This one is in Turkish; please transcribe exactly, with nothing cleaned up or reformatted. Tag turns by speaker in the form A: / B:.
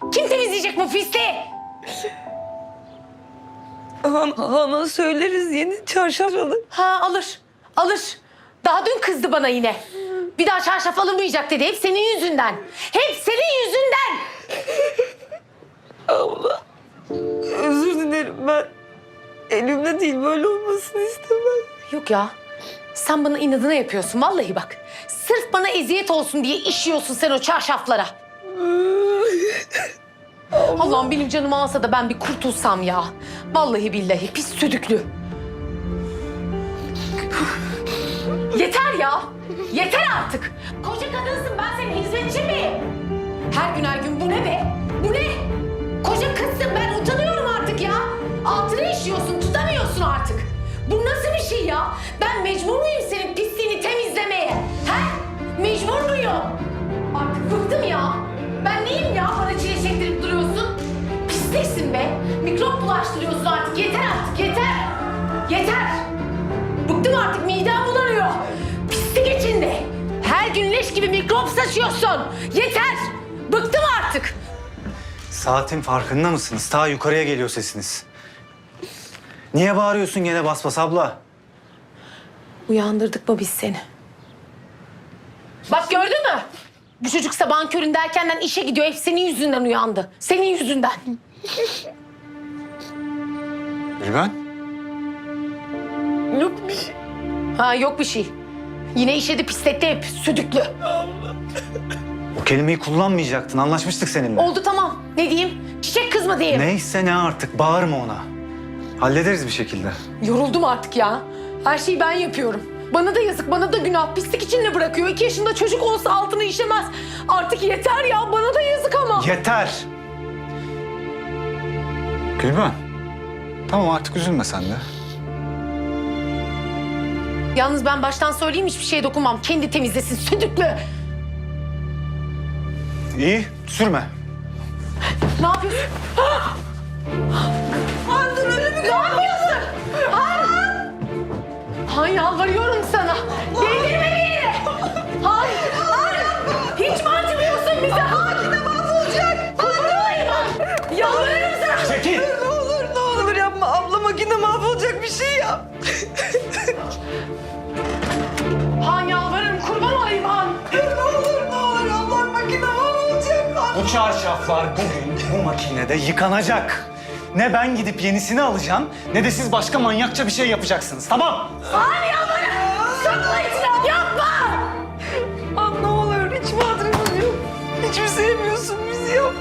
A: Kim temizleyecek bu pisliği?
B: Han, Han'a söyleriz yeni çarşaf alır.
A: Ha alır, alır. Daha dün kızdı bana yine. Bir daha çarşaf alınmayacak dedi. Hep senin yüzünden. Hep senin yüzünden.
B: Abla özür dilerim ben. Elimde değil böyle olmasını istemem.
A: Yok ya. Sen bana inadına yapıyorsun vallahi bak. Sırf bana eziyet olsun diye işiyorsun sen o çarşaflara. Allah'ım benim canımı alsa da ben bir kurtulsam ya. Vallahi billahi pis südüklü. Yeter ya. Yeter artık. Koca kadınsın, ben senin hizmetçin miyim? Her gün her gün bu ne be? Bu ne? Koca kızsın, ben utanıyorum artık ya. Altına işiyorsun, tutamıyorsun artık. Bu nasıl bir şey ya? Ben mecbur muyum senin pisliğini temizlemeye? He? Mecbur muyum? Artık bıktım ya. Ben neyim ya? Bana çile çektirip duruyorsun. Pisliksin be. Mikrop bulaştırıyorsun artık. Yeter artık, yeter. Yeter. Bıktım artık, midem bulanıyor. Pislik içinde. Her gün leş gibi mikrop saçıyorsun. Yeter. Bıktım artık.
C: Saatin farkında mısınız? Ta yukarıya geliyor sesiniz. Niye bağırıyorsun gene bas bas abla?
A: Uyandırdık mı biz seni? Bak gördün mü? Bu çocuk sabahın köründe erkenden işe gidiyor. Hep senin yüzünden uyandı. Senin yüzünden.
C: Gülben?
B: Yok bir şey.
A: Ha yok bir şey. Yine işedi pisletti hep. Südüklü.
C: O kelimeyi kullanmayacaktın. Anlaşmıştık seninle.
A: Oldu tamam. Ne diyeyim? Çiçek kız mı diyeyim?
C: Neyse ne artık. Bağırma ona. Hallederiz bir şekilde.
A: Yoruldum artık ya. Her şeyi ben yapıyorum. Bana da yazık, bana da günah. Pislik içinde bırakıyor. İki yaşında çocuk olsa altını işemez. Artık yeter ya. Bana da yazık ama.
C: Yeter! Gülben. Tamam artık üzülme sen de.
A: Yalnız ben baştan söyleyeyim, hiçbir şeye dokunmam. Kendi temizlesin südüklü.
C: İyi, sürme.
A: Ne yapıyorsun? Han dur ölümü Ne yapıyorsun? Han! Han yalvarıyorum sana. Değdirme beni. Han! Han! Hiç mi acımıyorsun bize? Han! Ne mahvolacak? Han! Han! Yalvarırım sana.
C: Çekil!
B: Ne olur ne olur yapma. Abla makine mahvolacak bir şey yap.
A: Han yalvarırım, kurban olayım Han.
B: Ne olur ne olur abla makine mahvolacak.
C: Bu çarşaflar bugün bu makinede yıkanacak. Ne ben gidip yenisini alacağım ne de siz başka manyakça bir şey yapacaksınız. Tamam?
A: Han yalvarırım. Sakla